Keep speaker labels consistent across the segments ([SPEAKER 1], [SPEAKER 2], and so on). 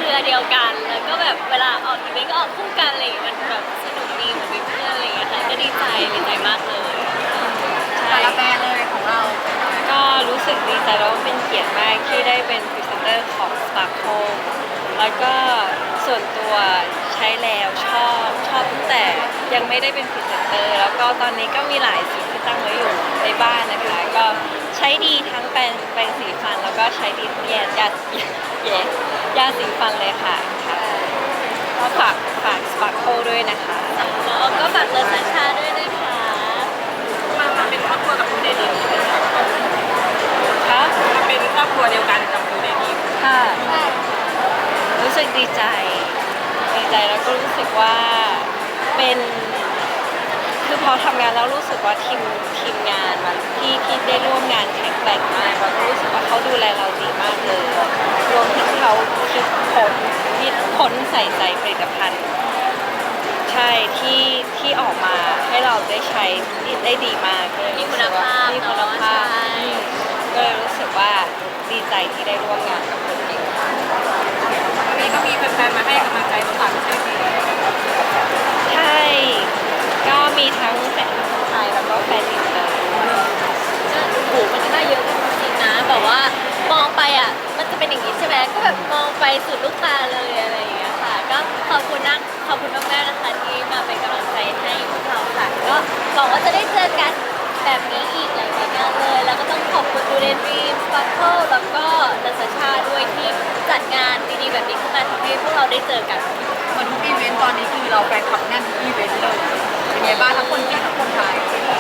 [SPEAKER 1] รือเดียวกันแล้วก็แบบเวลาออกอีเวนต์ก็ออกคู่กันอะไรอย่างเงี้ยมันแบบสนุกดีเหมือนเป็นเพื่อนอะไรอย่างเงี้ยค่ะก็ดีใจมากเลย
[SPEAKER 2] แต่
[SPEAKER 1] ใช่
[SPEAKER 2] ละแบรนด์เลยของเรา
[SPEAKER 3] ก็รู้สึกดีใจแล้วก็เป็นเกียรติมากที่ได้เป็นพรีเซนเตอร์ของ Sparkle แล้วก็ส่วนตัวใช้แล้วชอบตั้งแต่ยังไม่ได้เป็นพรีเซนเตอร์แล้วก็ตอนนี้ก็มีหลายสีที่ตั้งไว้อยู่ในบ้านนะคะก็ใช้ดีทั้งแปรงสีฟันแล้วก็ใช้ดีทั้งยาสีฟันเลยค่ะก็ฝาก Sparkle ด้วยนะคะ
[SPEAKER 1] แล้วก็ฝากเลิศสัญชาด้วยนะคะ
[SPEAKER 2] มาเป็นครอบครัวกับคุณเดนิส
[SPEAKER 3] ค่ะ
[SPEAKER 2] มาเป็นครอบครัวเดียวกันกับคุณเดนิส
[SPEAKER 3] ค่ะรู้สึกดีใจแล้วก็รู้สึกว่าเป็นคือพอทำงานแล้วรู้สึกว่าทีมงานมันที่ได้ร่วมงานแข็งแกร่งมากแล้วก็รู้สึกว่าเขาดูแลเราดีมากเลยรวมถึงเขาคิดค้นใส่ใจผลิตภัณฑ์ใช่ที่ออกมาให้เราได้ใช้ได้ดีมากเลย
[SPEAKER 1] มีคุณภาพ
[SPEAKER 3] มีคุณภาพ
[SPEAKER 1] ใช่
[SPEAKER 3] ก็เลยรู้สึกว่าดีใจที่ได้ร่วมงานกับคนเก่ง
[SPEAKER 2] วันนี้ก็มีแฟนๆมาให้กำลังใจน้องตาลไม่ใช่สิ
[SPEAKER 3] ใช่ ก็มีทั้งแฟนไทยแล้วก็แฟนอินเตอร์
[SPEAKER 1] ก็โอ้โหมันน่าเยอะจริงๆนะแบบว่ามองไปอ่ะมันจะเป็นอย่างนี้ใช่ไหมก็แบบมองไปสุดลูกตาเลยอะไรอย่างเงี้ยค่ะก็ขอบคุณมากๆนะคะที่มาเป็นกำลังใจให้พวกเราค่ะก็หวังว่าจะได้เจอกันแบบนี้อีกหลายๆงานเลยแล้วก็ต้องขอบคุณดูเดนรีมสปาร์เคิลแล้วก็นัสชาด้วยที่จัดงานดีๆแบบนี้ขึ้นมาทำให้พวกเราได้เจอกัน
[SPEAKER 2] คนทุกอีเวนต์ตอนนี้คือเราแฟนคลับแน่นทุกอีเวนต์เลยเป็นไงบ้างทั้งคนจีนทั้งคนไทย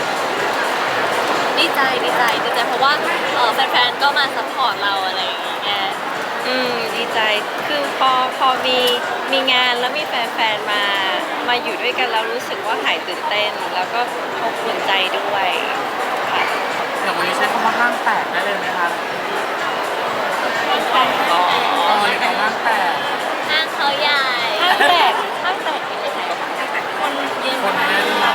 [SPEAKER 1] ดีใจเพราะว่าแฟนๆก็มาซัพพอร์ตเราอะไรอย่างเงี้ย
[SPEAKER 3] ดีใจ คือพอมีงานแล้วมีแฟนๆมาอยู่ด้วยกันแล้วรู้สึกว่าหายตื่นเต้น แล้วก็อบอุ่นใจด้วยค่ะ
[SPEAKER 4] อย่างวันนี้ใช้คำว่าห้างแตกได้เลยไหมคะ
[SPEAKER 3] แต่
[SPEAKER 4] อ๋อเลยคำห้างแตก
[SPEAKER 1] ห้างเขาใหญ่
[SPEAKER 3] ห้างแตกเป็นยังไง
[SPEAKER 1] คนเยอะ
[SPEAKER 4] คนแน่นมาก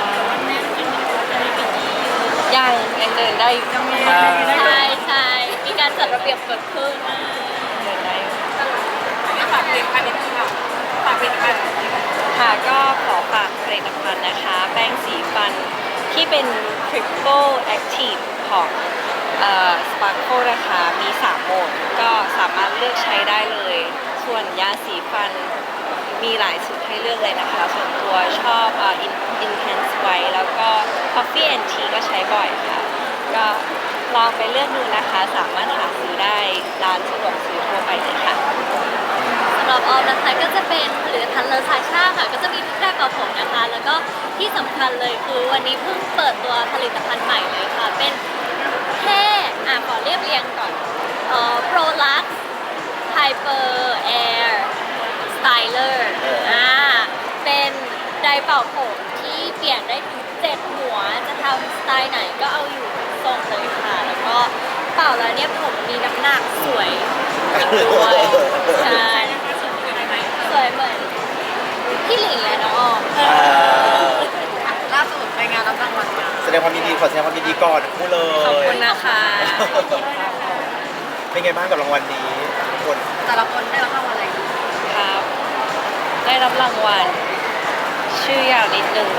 [SPEAKER 3] ยังเดินได้อยู่
[SPEAKER 1] ใช่มีการจัดระเบียบเกิดขึ้น
[SPEAKER 3] เดินได้อยู่
[SPEAKER 2] ฝากเพลงอันนี้ค่ะฝากเพลงอันนี้
[SPEAKER 3] ค่ะก็ขอฝากผลิตภัณฑ์นะคะ แป้งสีฟันที่เป็น Triple Active ของSparkle นะคะมี 3 โหมดก็สามารถเลือกใช้ได้เลย ส่วนยาสีฟันมีหลายสูตรให้เลือกเลยนะคะ ส่วนตัวชอบIntense White แล้วก็ Coffee and Tea ก็ใช้บ่อยค่ะ ก็ลองไปเลือกดูนะคะ สามารถหาซื้อได้ร้านสะดวกซื้อทั่วไปเลยค่ะ
[SPEAKER 1] สำหรับออมนะคะก็จะเป็นผลิตภัณฑ์เลอซาชาค่ะก็จะมีทุกแบบกับผมนะคะ แล้วก็ที่สำคัญเลยคือวันนี้เพิ่งเปิดตัวผลิตภัณฑ์ใหม่เลยค่ะ เป็นแค่ขอเรียงก่อนProlux Hyper Air Styler เป็นไดร์เป่าผมที่เปลี่ยนได้ถึง7หัวจะทำสไตล์ไหนก็เอาอยู่ทุกทรงเลยค่ะ แล้วก็เป่าแล้วเนี่ยผมมีน้ำหนักสวยอีกด้วยใช่สวยเหมือนพี่หลิงและน้องออม
[SPEAKER 2] ล่าสุดไปงานรับรางวัลมา
[SPEAKER 4] แสดงความยินดีขอแสดงความยินดีก่อนทั้งคู่เลย
[SPEAKER 3] ขอบคุณนะคะ
[SPEAKER 4] เป็นไงบ้างกับรางวัลนี้ทุกคน
[SPEAKER 2] แต่ละคนได้รับรางวัลอะไร
[SPEAKER 3] ครับ ได้รับรางวัลชื่อยาวนิดนึง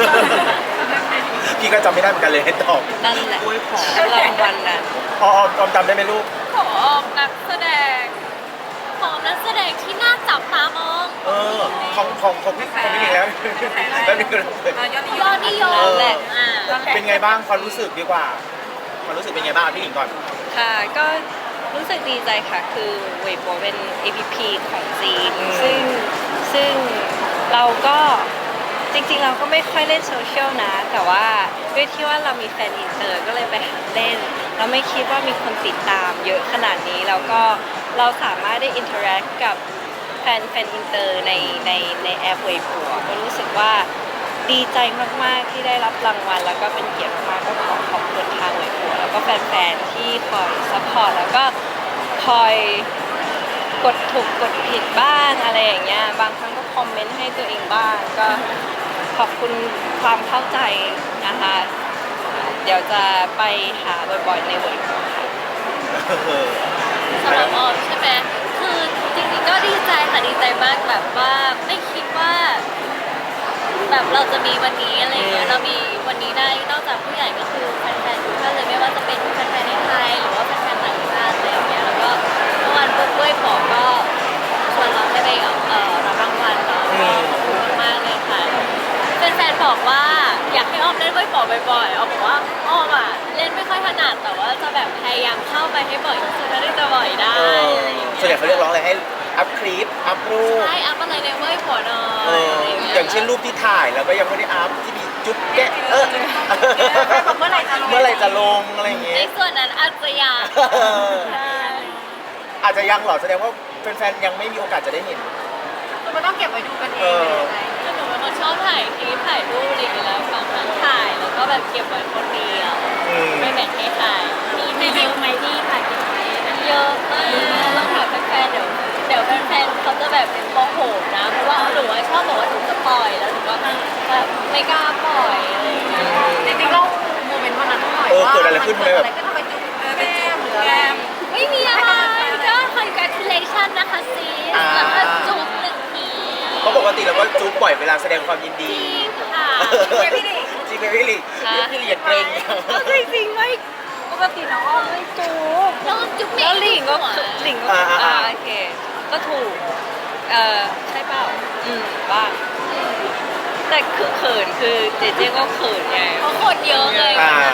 [SPEAKER 4] พี่ก็จำไม่ได้เหมือนกันเลยให้ตอบ
[SPEAKER 3] นั่นแหละรางวัลนั้น
[SPEAKER 4] ออมจำได้ไหมลูก
[SPEAKER 1] ของออมนักแสดงที่น่าจับตามอง
[SPEAKER 4] ของพี่อีกแล้วแล้วนี่คือ
[SPEAKER 2] ยอดนิยม
[SPEAKER 1] ยอดนิยม
[SPEAKER 3] แหละ
[SPEAKER 4] เป็นไงบ้างความรู้สึกดีกว่าความรู้สึกเป็นไงบ้างพี่หญิงก่อน
[SPEAKER 3] ค่ะ ก็รู้สึกดีใจค่ะ คือเว็บเป็น APP ของจีน ซึ่งเราก็จริงๆเราก็ไม่ค่อยเล่นโซเชียลนะ แต่ว่าด้วยที่ว่าเรามีแฟนอินเตอร์ก็เลยไปหัดเล่น เราไม่คิดว่ามีคนติดตามเยอะขนาดนี้ แล้วก็เราสามารถได้อินเทอร์แอคกับแฟนอินเตอร์ในแอปเว็บหัวก็รู้สึกว่าดีใจมากๆที่ได้รับรางวัลแล้วก็เป็นเกียรติมากก็ขอขอบคุณทางเว็บหัวแล้วก็แฟนๆที่คอยซัพพอร์ตแล้วก็คอยกดถูกกดผิดบ้างอะไรอย่างเงี้ยบางครั้งก็คอมเมนต์ให้ตัวเองบ้างก็ขอบคุณความเข้าใจนะคะ เดี๋ยวจะไปหาบ่อยๆในเว็บหัวค่ะ
[SPEAKER 1] สำหรับออมใช่ไหมคือจริงๆก็ดีใจค่ะดีแบบเราจะมีวันนี้อะไรอย่างเงี้ยเรามีวันนี้ได้นอกจากผู้ใหญ่ก็คือแฟนๆทุกท่านเลยไม่ว่าจะเป็นแฟนๆในไทยหรือว่าแฟนๆต่างชาติอะไรอย่างเงี้ยแล้วก็เมื่อวานปุ๊บด้วยปอก็ชวนเราให้ไปรับรางวัลเนาะก็ขอบคุณมากๆเลยค่ะแฟนๆบอกว่าอยากให้อ้อมเล่นด้วยปอบ่อยๆอ้อมบอกว่าอ้อมอ่ะเล่นไม่ค่อยถนัดแต่ว่าจะแบบพยายามเข้าไปให้บ่อยที่สุดเท่าที่จะบ่อยได้อะไรอย่างเงี้ย
[SPEAKER 4] ส่วนใหญ่เขาเรียกร้องอะไรให้อัพคลิปอัพรูป
[SPEAKER 1] ใช่อัพอะไรในเว้ยหัวหน่อ
[SPEAKER 4] เอย
[SPEAKER 1] อะไร
[SPEAKER 4] อ
[SPEAKER 1] อย่างเงี้ย
[SPEAKER 4] อย่างเช่นรูปที่ถ่ายแล้วก็ยังไม่ได้อัพที่มีจุ๊บแกะ
[SPEAKER 2] เมื่อไหร่จะลง
[SPEAKER 4] เมื่อไหร่จะลงอะไรอย่าง
[SPEAKER 1] ใน
[SPEAKER 4] เงี้ย
[SPEAKER 1] ส่วนนั้นอาจจะอยากใช่
[SPEAKER 4] อาจจะยังเหรอแสดงว่าแฟนๆยังไม่มีโอกาสจะได้เห็น
[SPEAKER 2] คือมันต้องเก็บไว้ดูกันเองเลย
[SPEAKER 1] คือหนูเป็นคนชอบถ่ายคลิปถ่ายรูปอะไรอย่างเงี้ยแล้วบางครั้งถ่ายแล้วก็แบบเก็บไว้คนเดียว
[SPEAKER 4] อืม
[SPEAKER 1] ไม่แบ่งให้ใครมีเยอะไหมที่ถ่ายเก็บไว้เยอะมากต้องถามแฟนๆเดี๋ยวแฟนๆเขาจะแบบโมโหนะเพราะว่าหนูอะชอบบอกว่าหนูจะปล่อยแล้วหนูก็แบบไม่กล้าปล่อยอะไรอย่างเงี้ย
[SPEAKER 2] จริงๆเราโมเมนต์วันนั้นหน่อย
[SPEAKER 4] เออ
[SPEAKER 2] ว่า
[SPEAKER 4] เกิดอะไรขึ้นไหมแบบ
[SPEAKER 2] เกิดอะไรขึ้นทำไมจุ๊บแก้มหรืออะไร
[SPEAKER 1] ไม่มีอะไรก็ congratulation นะคะซีสแล้วก็จุ๊บหนึ่งที
[SPEAKER 4] เพราะปกติเราก็จุ๊บปล่อยเวลาแสดงความยิน
[SPEAKER 1] จ
[SPEAKER 4] ดี
[SPEAKER 1] ริงค่ะ
[SPEAKER 4] จริงไหมพี่ลิพี่ลิอย่าเกรง
[SPEAKER 3] จริงๆไม่ปกติน้องอ้อมไม่จูบ
[SPEAKER 1] แล้วจุ๊บเม
[SPEAKER 3] แล้ว
[SPEAKER 1] ย์
[SPEAKER 3] หลิงก็
[SPEAKER 1] หัว
[SPEAKER 3] หลิงก็โอเคก็ถูกใช่เปล่าบ้างแต่คือเขินคือเจเจก็เขินไง
[SPEAKER 1] เพราะคนเยอะเลย
[SPEAKER 4] อ่า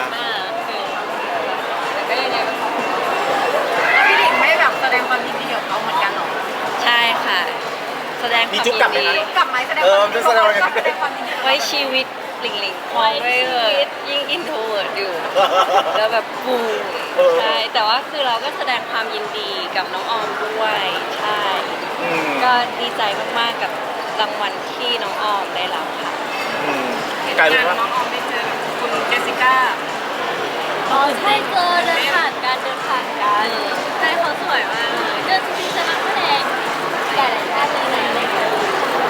[SPEAKER 3] แต่ก็ยังไงก็
[SPEAKER 2] พี่หลิงไม่แบบแสดงความยินดีกับเขาเหมือนกันหรอ
[SPEAKER 3] ใช่ค่ะ แสดงความ
[SPEAKER 4] มีจุ๊บกลับไหม
[SPEAKER 3] ยิน
[SPEAKER 4] คะ
[SPEAKER 3] ดี
[SPEAKER 2] กลับไหมแสดงความยินดี
[SPEAKER 4] แสดงความยินดี
[SPEAKER 2] แสดงความยินดี
[SPEAKER 3] ไว้ชีวิตหลิงหลิงพองไม่เลยยิ่งอินโทรเวิร์ดอยู่ แล้วแบบปูม
[SPEAKER 4] เออ
[SPEAKER 3] ใช่แต่ว่าคือเราก็แสดงความยินดีกับน้องออมด้วยใช่
[SPEAKER 4] อืม
[SPEAKER 3] ก็ดีใจมากๆกับรางวัลที่น้องออมได้รับค่ะ
[SPEAKER 4] อืมกลายเป็นว่า
[SPEAKER 2] น้องออมได้เจอคุณเจสสิก้า
[SPEAKER 1] อ๋อใช่เจอเดินผ่านกันใช่เขาสวยมากเลยเดินจริงๆจะนักแสดงหลายๆท่านเลยนะอะไรอย่างเงี้ย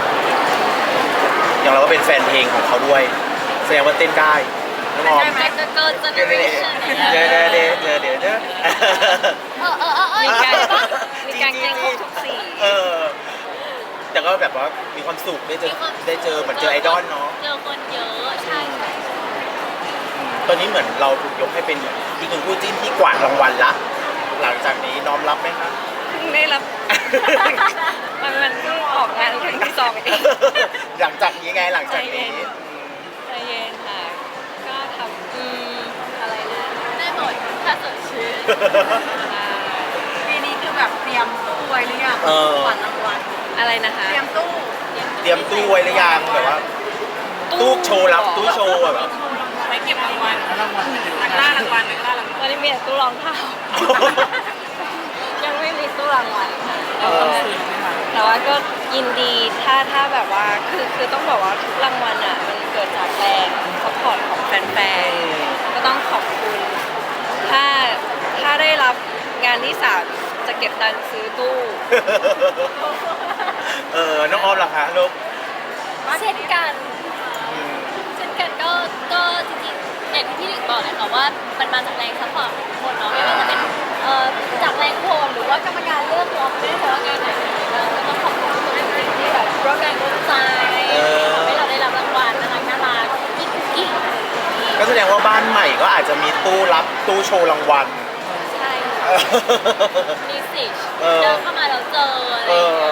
[SPEAKER 4] อย่างเราก็เป็นแฟนเพลงของเขาด้วย แสดงว่าเต้นได้น้องออม
[SPEAKER 1] แต่ก็เกินเจเนอเรชั่น
[SPEAKER 4] เดี๋ยว
[SPEAKER 3] มีการ
[SPEAKER 1] ปะ
[SPEAKER 3] มีการแกล้งครบทุกสี
[SPEAKER 4] เออ แต่ก็แบบว่ามีความสุขได้เจอเหมือนเจอไอดอลเนาะ
[SPEAKER 1] เจอคนเยอะใช่
[SPEAKER 4] ตอนนี้เหมือนเราถูกยกให้เป็นอีกหนึ่งคู่จิ้นที่กวาดรางวัลละ หลังจากนี้น้อมรับไหมคะ
[SPEAKER 3] เพิ่งได้รับ มันเพิ่งออกงานครั้งที่สองเอง
[SPEAKER 4] หลังจากนี้ไงหลังจากนี้
[SPEAKER 3] ใจเย็นค่ะ ก็ทำอะไรนะ
[SPEAKER 1] ได้หมดถ้าสดชื่น
[SPEAKER 2] ปีนี้คือแบบเตรียมตู้ไว้หรือยัง
[SPEAKER 4] เออ
[SPEAKER 2] ก่อนรางวัล
[SPEAKER 3] อะไรนะคะ
[SPEAKER 2] เตรียมตู้
[SPEAKER 4] เตรียมตู้ไว้หรือยังแบบว่า ตู้โชว์รับตู้โชว์แบบ
[SPEAKER 2] ไว้เก็บรางวัลนักล่ารางวัลนักล่ารางวัล
[SPEAKER 3] ตอนนี้มีแต่ตู้รองเท้า ยังไม่มีตู้รางวัลค่ะ
[SPEAKER 4] เออ
[SPEAKER 3] แต่ว่าก็ยินดีถ้าแบบว่าคือต้องบอกว่าทุกรางวัลอ่ะมันเกิดจากแรงสปอร์ตของแฟนๆก็ต้องขอบคุณ ถ้าได้รับงานที่สามจะเก็บตังค์ซื้อตู้
[SPEAKER 4] น้องออมล่ะคะลูก
[SPEAKER 1] เช่นกัน
[SPEAKER 4] อืม
[SPEAKER 1] เช่นกันก็จริงๆอย่างที่พี่หลิงบอกเลยค่ะว่ามันมาจากแรงซัพพอร์ตของทุกคนเนาะไม่ว่าจะเป็นจากแรงโหวตหรือว่ากรรมการเลือกเราไม่ได้แต่ว่างานไหนเราก็ต้องขอบคุณทุกคนจริงๆที่แบบร่วมแรงร่วมใจทำให้เราได้รับรางวัลน่ารักกิ๊กกิ๊ก
[SPEAKER 4] ก็แสดงว่าบ้านใหม่ก็อาจจะมีตู้รับตู้โชว์รางวัล
[SPEAKER 1] ใช่มีสิ
[SPEAKER 4] เออ
[SPEAKER 1] เดินเข้ามาแล้วเจออะไรอย่างเงี้ย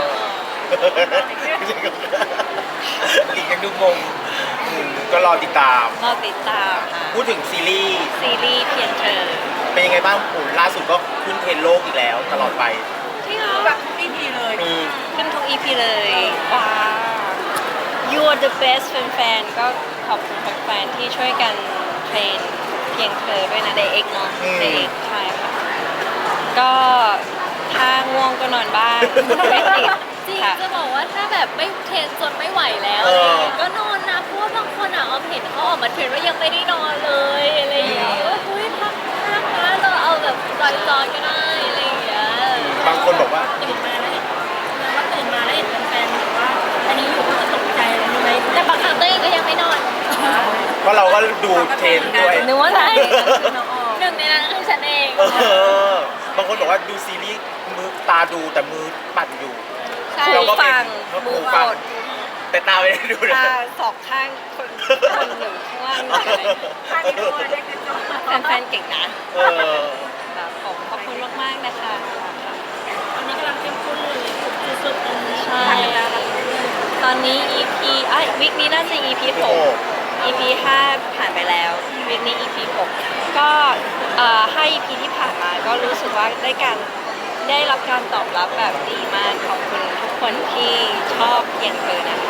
[SPEAKER 4] อีกยังดูงงก็รอติดตาม
[SPEAKER 3] รอติดตามค่ะ
[SPEAKER 4] พูดถึงซีรีส์
[SPEAKER 3] ซีรีส์เพียงเธอ
[SPEAKER 4] เป็นยังไงบ้างผลล่าสุดก็ขึ้นเทรนด์โลกอีกแล้วตลอดไป
[SPEAKER 3] ที่เหรอ
[SPEAKER 2] แบบทุก EP เลย
[SPEAKER 4] อืม
[SPEAKER 3] ขึ้นทุก EP เลยว้าว You are the best แฟนๆก็ขอบคุณแฟนๆที่ช่วยกันเทรนเพียงเธอด้วยนะ DX เนาะ DX ใช่ค่ะ ก็ถ้าง่วงก็นอนบ้างไม่ติด
[SPEAKER 1] จริง
[SPEAKER 3] ค่ะ
[SPEAKER 1] จะบอกว่าถ้าแบบไม่เทรนจนไม่ไหวแล้วอะไรอย่างเงี้ยก็นอนนะเพราะว่าบางคนอ่ะออมเห็นเขาออกมาเทรนว่ายังไม่ได้นอนเลยอะไรอย่างเงี้ยเฮ้ยพักนะเราเอาแบบจอยๆก็ได้อะไรอย่างเงี้ย
[SPEAKER 4] บางคนบอกว่า
[SPEAKER 1] ตื่นมาแล้วเห็นว่าตื่นมาแล้วเห็นแฟนๆบอกว่าอันนี้อยู่ก็ตกใจเลยรู้ไหมแต่บางครั้งตัวเองก็ยังไม่นอน
[SPEAKER 4] เพราะเราก็ดูเทรนด์ด้วย
[SPEAKER 3] นึกว่าอะไร
[SPEAKER 1] หนึ่งในนั้นคือฉันเอง
[SPEAKER 4] บางคนบอกว่าดูซีรีส์มือตาดูแต่มือปั่นอยู่
[SPEAKER 3] ใช่
[SPEAKER 4] เราก็เป็น
[SPEAKER 3] ฟัง
[SPEAKER 4] หู
[SPEAKER 3] มือ
[SPEAKER 4] ฟั
[SPEAKER 3] ก
[SPEAKER 4] ง
[SPEAKER 3] ด
[SPEAKER 4] แต่ตาไม่ได้ดูนะ
[SPEAKER 3] ตาสองข้างคนหนึ่งข้างล่างหนึ่งอะไร
[SPEAKER 2] ข้างนี้ตัวเล็กนิดเดียว
[SPEAKER 3] แฟนๆเก่งนะ
[SPEAKER 4] เออ
[SPEAKER 3] แบบขอบคุณมากๆนะคะค่ะ
[SPEAKER 1] วันนี้กำลังเข้มข้นเลยสุดๆเลย
[SPEAKER 3] ใช่ ตอนนี้ EP วิกนี้น่าจะ EP 6 EP 5 ผ่านไปแล้ววิกนี้ EP 6 ก็5 EP ที่ผ่านมาก็รู้สึกว่าได้รับการตอบรับแบบดีมากขอบคุณทุกคนที่ชอบเพียงเธอนะคะ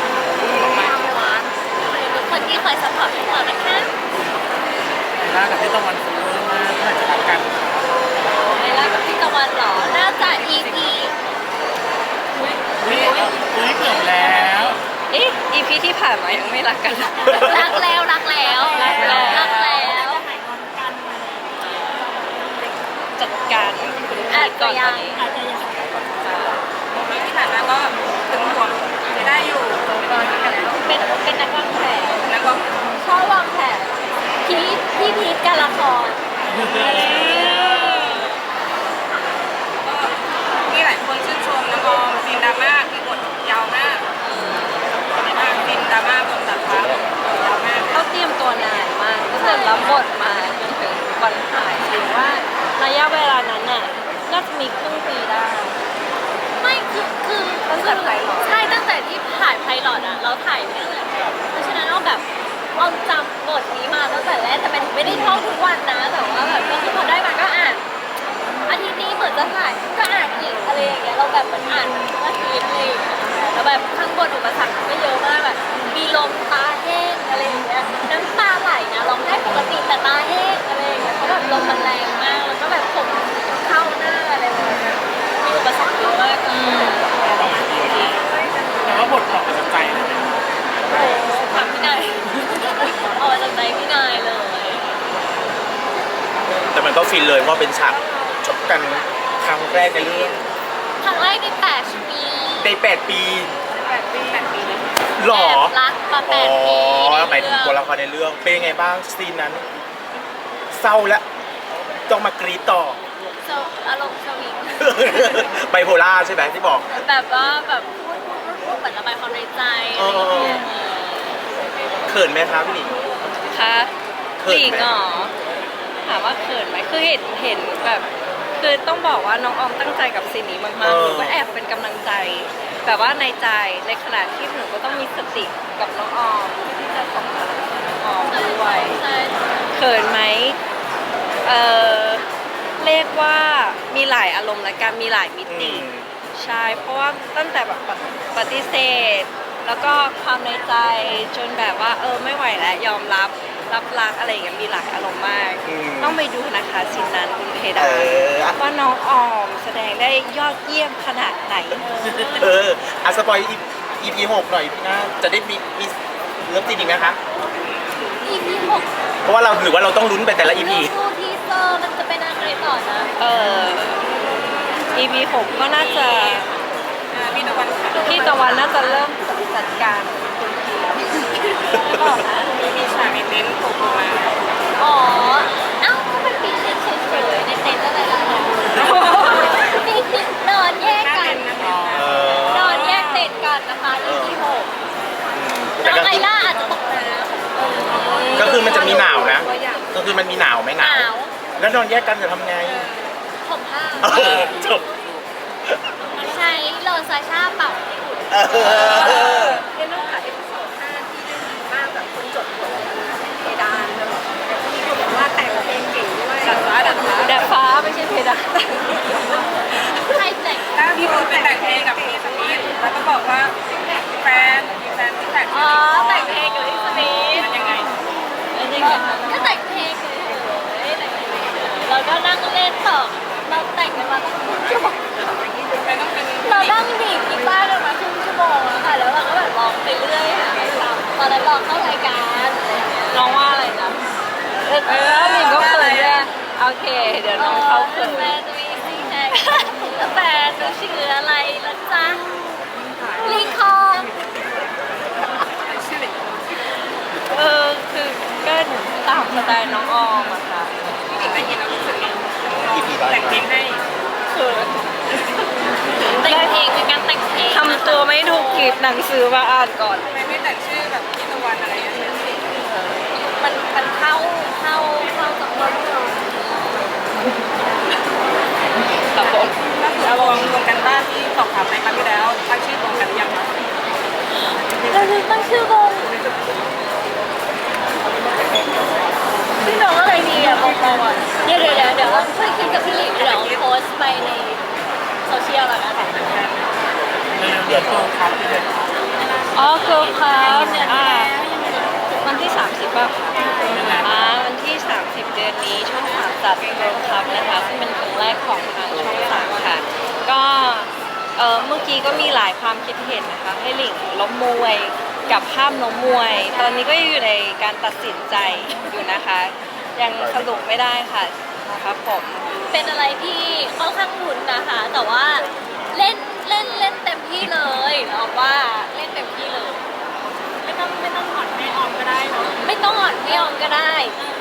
[SPEAKER 1] ทุกคนที่คอยสปอร์ตพวกเรานะคะ
[SPEAKER 5] ไอล่ากับพี่ตะวันฟูมากเพื่อจะรักกัน
[SPEAKER 1] ไอล่ากับพี่ตะวันเหรอ น่าจะ EP
[SPEAKER 5] อุ้ยเกือบแล้ว
[SPEAKER 3] เอ๊ะ EP ที่ผ่านมายังไม่รักกัน
[SPEAKER 1] รักแล้วรักแล้วรักแล้ว
[SPEAKER 3] จัดการคุณพี
[SPEAKER 1] อาจ
[SPEAKER 3] ท
[SPEAKER 1] จะ
[SPEAKER 3] ก่อนต
[SPEAKER 1] ยั
[SPEAKER 3] อน
[SPEAKER 1] ง
[SPEAKER 3] นี้
[SPEAKER 1] อาจจะยัง
[SPEAKER 2] ที่ผ่านมาก็ถึงห่วงจะได้อยู่ตอนนี้กันแล้ว
[SPEAKER 1] เป็นนักวางแผน
[SPEAKER 2] แล้วก็
[SPEAKER 1] ชอบวางแผนพี่พีทการละคร
[SPEAKER 2] ก็มีหลายคนชื่นชมน้องออมซีนดราม่าคือบทยาวมากซีนดราม่าบนดาดฟ้าบทยาวมาก
[SPEAKER 3] เขาเตรียมตัวนานมากตั้งแต่รับบทมาจนถึงวันถ่ายหรือว่าระยะเวลานั้นน่ะน่าจะมีครึ่งปีได้
[SPEAKER 1] ไม่คือ
[SPEAKER 3] ตั้งแต่ไพลอต
[SPEAKER 1] ใช่ตั้งแต่ที่ถ่ายไพลอตอ่ะเราถ่ายไม่เหมือนกันเพราะฉะนั้นเอาแบบเอาจำบทนี้มาตั้งแต่แรกแต่มันไม่ได้ท่องทุกวันนะ แต่ว่าแบบก็คือพอได้มาก็อ่านอาทิตย์นี้เหมือนจะถ่ายก็อ่านอีกอะไรอย่างเงี้ยเราแบบเหมือนอ่านมันทุกอาทิตย์อะไรอย่างเงี้ยแล้วแบบข้างบนอุปสรรคก็เยอะมากแบบมีลมตาแห้งอะไรอย่างเงี้ยน้ำตาไหลนะร้องได้ปกติแต่ตาแห้งอะไรอย่างเงี้ยเพราะแบบลมมันแรงมากแล้วก็แบบผมเข้าหน้าอะไรแบบเนี้ยมีอุปสรรคเยอะมาก
[SPEAKER 5] แต่ว่าบทออกมาจากใจเลยนะ
[SPEAKER 1] โอ้โหถามพี่นายเอามาจากใจพี่นายเลย
[SPEAKER 4] แต่มันก็ฟินเลยเพราะเป็นฉากชกกันครั้งแรกในเรื่อง
[SPEAKER 1] ครั้งแรกใน8 ปี
[SPEAKER 4] ใน8 ปี
[SPEAKER 2] 8 ปีเลย
[SPEAKER 4] หรอ
[SPEAKER 1] แอบรักมา8 ปี
[SPEAKER 4] หมายถึงตัวละครในเรื่องเป็นยังไงบ้างซีนนั้น เศร้าแล้วต้องมากรีดต่อ
[SPEAKER 1] อารมณ์สวิง
[SPEAKER 4] ไบโพล่าใช่ไหมที่บอก
[SPEAKER 1] แบบว่าแบบพูดเหมือนระบายความในใจอะไรอย่างเงี้ย
[SPEAKER 4] เขินไหมครับพี่หลิง
[SPEAKER 3] คะ
[SPEAKER 4] เขินไหม
[SPEAKER 3] หลีกเหรอถามว่าเขินไหมคือเห็นแบบคือต้องบอกว่าน้องออมตั้งใจกับซีนนี้มากๆหนูก็แอบเป็นกำลังใจแบบว่าในใจในขณะที่หนูก็ต้องมีสติกับน้องออมที่จะส่งกำลังใจน้องออมด้วย
[SPEAKER 1] ใช่
[SPEAKER 3] เขินไหมเออเรียกว่ามีหลายอารมณ์และกันมีหลายมิติ ใช่ เพราะว่าตั้งแต่แบบปฏิเสธ แล้วก็ความในใจจนแบบว่าไม่ไหวแล้วยอมรับรักอะไรอย่างเงี้ยมีหลายอารมณ์มาก ต้องไปดูนะคะซินนั้นคุณเพดานว่าน้องออมแสดงได้ยอดเยี่ยมขนาดไหน
[SPEAKER 4] อ่ะสปอย EP 6 หน่อยพี่หน้าจะได้มีเริ่มตีนอีกไหมคะ
[SPEAKER 1] EP 6
[SPEAKER 4] เพราะว่าเราหรือว่าเราต้องลุ้นไปแต่ละ EP
[SPEAKER 1] เรื่องดูทีเซอร์มันจะเป็นอะไรต่อนะ
[SPEAKER 3] EP 6ก็น่าจะ
[SPEAKER 2] พี่ตะวัน
[SPEAKER 3] พี่ตะวันน่าจะเริ่มจัดการคุณพีไม่บอกนะ
[SPEAKER 2] มีฉากเน้นๆโผล่มา
[SPEAKER 1] อ๋อเอ้าก็มันปีนเล่นเฉยๆในเต็นท์อะไรล่ะปีนนอนแยกกัน นอนแยกเต็นท์กันนะคะ EP 6น้องไอล่าอาจจะตกน้ำ
[SPEAKER 4] ก็คือมันจะมีหนาวนะ ก็คือมันมีหนาวไหมหนาว แล้วนอนแยกกันจะทำไง
[SPEAKER 1] ผมผ้า
[SPEAKER 4] จบ
[SPEAKER 1] ใช้โลซาชาเป่าให้อุ่น
[SPEAKER 2] เรียนรู้ค่ะเอพิโซด5ที่ได้ดีมากแบบคนจดบทเพดานเลยมีคนบอกว่าแต่งเพลงเก่งด้วยดัดฟ้า
[SPEAKER 3] แดดฟ้าไม่ใช่เพดาน
[SPEAKER 1] ใครแต่ง
[SPEAKER 2] ถ้ามีคนไปแต่งเพลงกับเพลงสมิธแล้วก็บอกว่าแฟนที่แต่ง
[SPEAKER 1] อ๋อแต่งเพลงกับอิสมีท
[SPEAKER 2] มันยังไง
[SPEAKER 1] ก็แต่งเพลงเลยแต่งเพลงเราก็นั่งเล่นต่อเราแต่งกันมาตั้งครึ่งชั่วโมง
[SPEAKER 2] มันต้องเป็น
[SPEAKER 1] เรานั่งดีดกีตาร์กันมาครึ่งชั่วโมงแล้วค่ะแล้วเราก็แบบร้องไปเรื่อยหาอะไรทำตอนนั้นร้องเข้ารายการอะไรอย่างเงี้ย
[SPEAKER 3] น้องว่าอะไรนะหลิงก็เขินด้วยโอเค เดี๋ยวน้องเขาเขิน
[SPEAKER 1] แฟนจะมีซิงแท็กแล้วแฟนจะชื่ออะไรล่ะจ๊ะลีคอง
[SPEAKER 3] คือก็ตามสไตล์น้องออมอะค่ะ
[SPEAKER 2] พี่หญิงได้ยินแล้วรู้สึกไง
[SPEAKER 4] EP ร้อย
[SPEAKER 2] แต่งเพลงให้
[SPEAKER 3] คือ
[SPEAKER 1] แต่งเพลงเป็นการแต่งเพลง
[SPEAKER 3] ทำตัวไม่ถูกกีบหนังสือมาอ่านก่อน
[SPEAKER 2] ทำไมไม่แต่งชื่อแบบพี่ตะวันอะไรอย่างเงี้ย
[SPEAKER 1] มันเข้ากับคน
[SPEAKER 3] ครับผม
[SPEAKER 2] แล้วรวมกันบ้านที่สอบถามในครั้งที่แล้วตั้งชื่อตรงกันหรือยังคะ
[SPEAKER 1] เราลืมตั้งชื่อวงชื่อน้องอะไรดีอ่ะบอกเราอ่ะเดี๋ยวช่วยคิดกับพี่หลิงเดี๋ยวโพสต์ไปในโซเชียลแล้วกัน
[SPEAKER 4] เดือนของครับ
[SPEAKER 3] อ๋อ Girl Club วันที่ 30ป่ะวันที่ 30 เดือนนี้ช่อง3จัด Girl Club นะคะซึ่งเป็นครั้งแรกของทางช่อง3ค่ะ ก็เมื่อกี้ก็มีหลายความคิดเห็นนะคะ ให้หลิงล้มมวยกับห้ามล้มมวย ตอนนี้ก็อยู่ในการตัดสินใจอยู่นะคะ ยังสรุปไม่ได้ค่ะครับผม
[SPEAKER 1] เป็นอะไรที่ค่อนข้างลุ้นนะคะ แต่ว่าเล่นเต็มที่เลยเราว่าเล่นเต็มที่เลย
[SPEAKER 5] ไม่ต้องถอนไม่ออมก็ได้เนาะ
[SPEAKER 1] ไม่ต้องอ่อนไม่ยอมก็ได้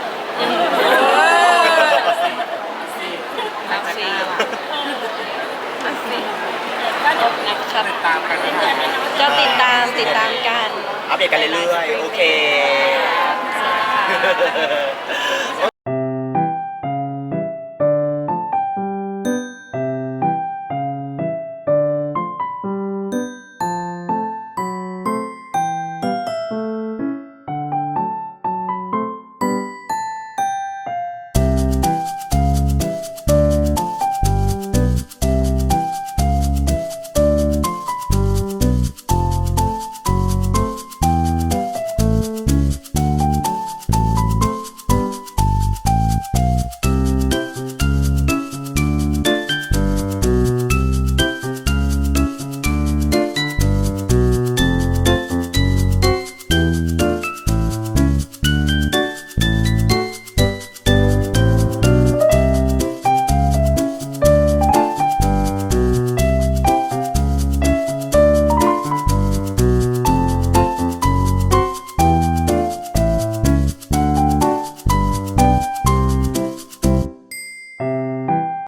[SPEAKER 3] นักซีนักซี
[SPEAKER 5] ก็เดี๋ยว
[SPEAKER 3] นะครับ
[SPEAKER 4] ติดตามกัน
[SPEAKER 5] เดือนนี้เนาะ
[SPEAKER 3] ก็ติดตามกัน
[SPEAKER 4] อัปเดตกันเรื่อยๆ โอเค